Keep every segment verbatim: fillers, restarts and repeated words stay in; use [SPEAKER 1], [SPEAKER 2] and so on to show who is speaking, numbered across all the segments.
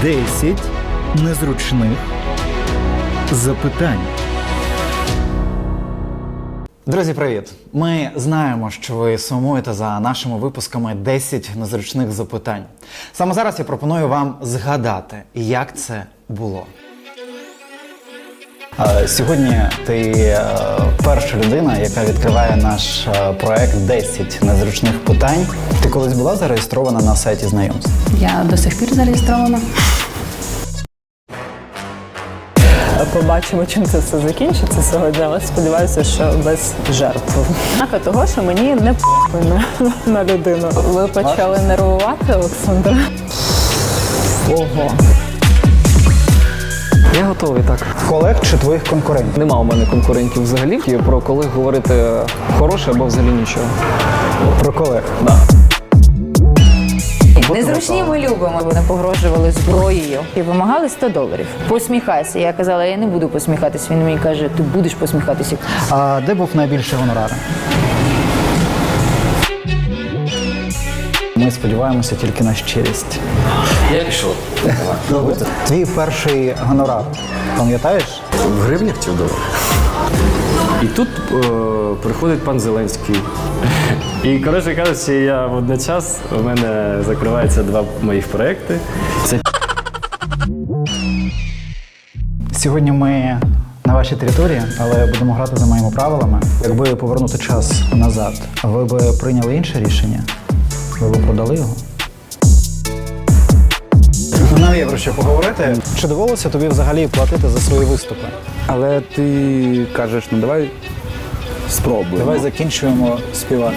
[SPEAKER 1] десять незручних запитань. Друзі, привіт! Ми знаємо, що ви сумуєте за нашими випусками десять незручних запитань. Саме зараз я пропоную вам згадати, як це було. Сьогодні ти перша людина, яка відкриває наш проект десять незручних питань. Ти колись була зареєстрована на сайті знайомств?
[SPEAKER 2] Я до сих пір зареєстрована.
[SPEAKER 3] Побачимо, чим це все закінчиться сьогодні, але сподіваюся, що без жертв. Знака того, що мені не п***й на, на людину. Ви почали нервувати, Олександр? Ого.
[SPEAKER 4] Я готовий, так.
[SPEAKER 1] Колег чи твоїх конкурентів?
[SPEAKER 4] Нема у мене конкурентів взагалі. І про колег говорити хороше або взагалі нічого.
[SPEAKER 1] Про колег?
[SPEAKER 4] Да.
[SPEAKER 2] Незручні ми любимо. Вони погрожували зброєю і вимагали сто доларів. Посміхайся. Я казала, я не буду посміхатись. Він мені каже, ти будеш посміхатися.
[SPEAKER 1] А де був найбільший гонорар? Ми сподіваємося тільки на щирість.
[SPEAKER 4] Я пішов.
[SPEAKER 1] Твій перший гонорар, пам'ятаєш?
[SPEAKER 4] В гривнях чи в доларах? І тут е, приходить пан Зеленський. І, коротше кажучи, я водночас, у мене закриваються два моїх проекти. Це
[SPEAKER 1] Сьогодні ми на вашій території, але будемо грати за моїми правилами. Якби повернути час назад, ви б прийняли інше рішення? Ви б продали його? Нам є про що поговорити. Чи довелося тобі взагалі платити за свої виступи?
[SPEAKER 5] Але ти кажеш, ну давай спробуємо.
[SPEAKER 1] Давай закінчуємо співати.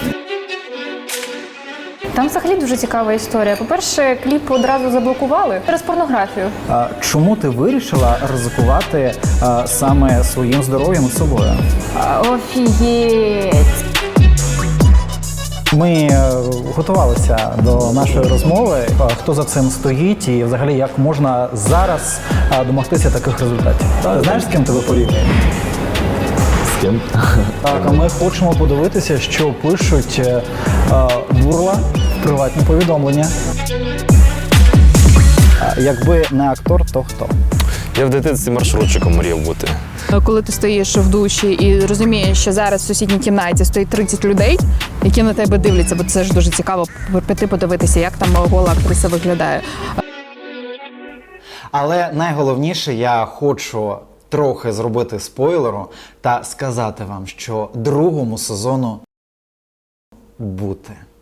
[SPEAKER 6] Там взагалі дуже цікава історія. По-перше, кліп одразу заблокували через порнографію.
[SPEAKER 1] А чому ти вирішила ризикувати а, саме своїм здоров'ям і собою?
[SPEAKER 6] Офігеть!
[SPEAKER 1] Ми е, готувалися до нашої розмови. А, хто за цим стоїть і взагалі як можна зараз а, домогтися таких результатів? Знаєш, з ким тебе порівнює?
[SPEAKER 4] з ким?
[SPEAKER 1] Так, а ми хочемо подивитися, що пишуть е, е, бурла в приватні повідомлення. А, якби не актор, то хто?
[SPEAKER 7] Я в дитинстві маршрутчиком мріяв бути.
[SPEAKER 8] Коли ти стоїш в душі і розумієш, що зараз в сусідній кімнаті стоїть тридцять людей, які на тебе дивляться, бо це ж дуже цікаво піти подивитися, як там гола актриса виглядає.
[SPEAKER 1] Але найголовніше, я хочу трохи зробити спойлеру та сказати вам, що другому сезону бути.